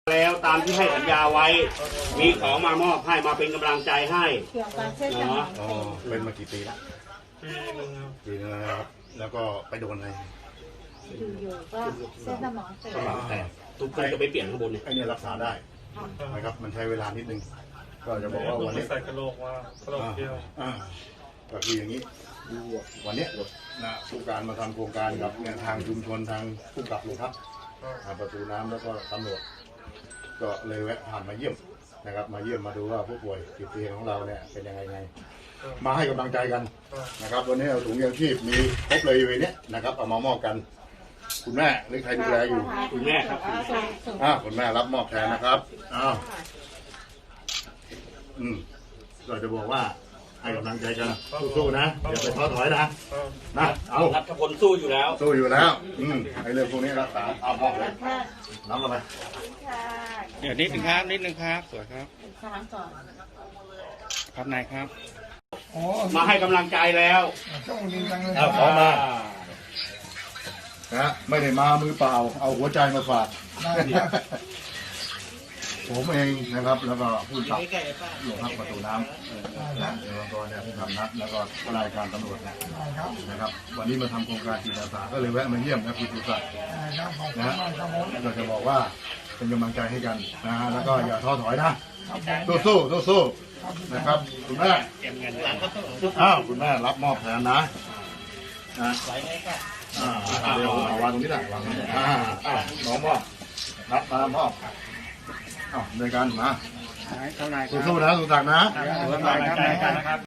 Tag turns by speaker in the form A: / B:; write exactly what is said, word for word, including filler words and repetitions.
A: แล้วตามที่ให้สัญญาไว้ มีของมามอบให้มาเป็นกำลังใจให้
B: เกี่ยวกับเส้นสมอง
C: อ๋อเป็นมากี่ปีละ
D: ปีหนึงครับ
C: ปีนึงแล้วนะครับแล้วก็ไปโดนอะไร
B: อยู่ๆก็เส้นสมองเสื่อ
A: สมอง
B: ม
A: แตกทุกคนจะไปเปลี่ยนข้างบนเนี่ย
C: ไอ้เนี่ยรักษาได้นะครับมันใช้เวลานิดนึงก็จะบอกว่าวันนี้
D: ใส่กระโหลกว่ากระโหลกเดียว
C: อ่าก็คืออย่างนี้วันเนี้ยนะผู้การมาทำโครงการกับเนี่ยทางชุมชนทางผู้กับโรงพักทางประตูน้ำแล้วก็ตำรวจก็เลยแวะผ่านมาเยี่ยมนะครับมาเยี่ยมมาดูว่าผู้ป่วยติดเตียงของเราเนี่ยเป็นยังไงไงมาให้กำลังใจกันนะครับวันนี้เอาถุงยางชีพมีครบเลยอยู่ในนี้นะครับเอามามอบกันคุณแม่หรือใครดูแลอยู่
A: คุณแม่ครับ
C: อ่าคุณแม่รับมอบแทนนะครับอ้าวอืมก็จะบอกว่าให้กำลังใจกันสู้ๆนะอย่าไปท้อถอยนะนะเอา
A: รัฐพลสู้อยู่แล้ว
C: สู้อยู่แล้วอืมไอ้เรื่องพวกนี้รักษาเอามอบเลยน้ำอะไร
E: เดี๋ยวนิดนึงครับนิดนึงครับสวยครับ
B: สามก่อน
E: ครับนายครับ
A: มาให้กำลังใจแล้ว
C: เอาขอมานะไม่ได้มามือเปล่า เอาหัวใจมาฝากผมเองนะครับ แล้วก็ผู้ขับหลวงพักประตูน้ำนะเดี๋ยวก็เนี่ยผู้ขับนัดแล้วก็รายการตำรวจนะครับ วันนี้มาทำโครงการจิตอาสาก็เลยแวะมาเยี่ยมนะคุณสุศักดิ์นะเราจะบอกว่าเป็นกำลังใจให้กันนะฮะแล้วก็อย่าท้อถอยนะสู้สู้สู้สู้ๆนะครับคุณแม่อ้าวคุณแม่รับมอบแทนนะนะอ่าเดี๋ยวเอาวางตรงนี้แหละวางตรงนี้อ่าอ่าน้องมอบรับมามอบอ้าวในการมา
E: เท่าไหร่ครับ
C: สู้ๆนะสุศักดิ์นะ
E: ครับ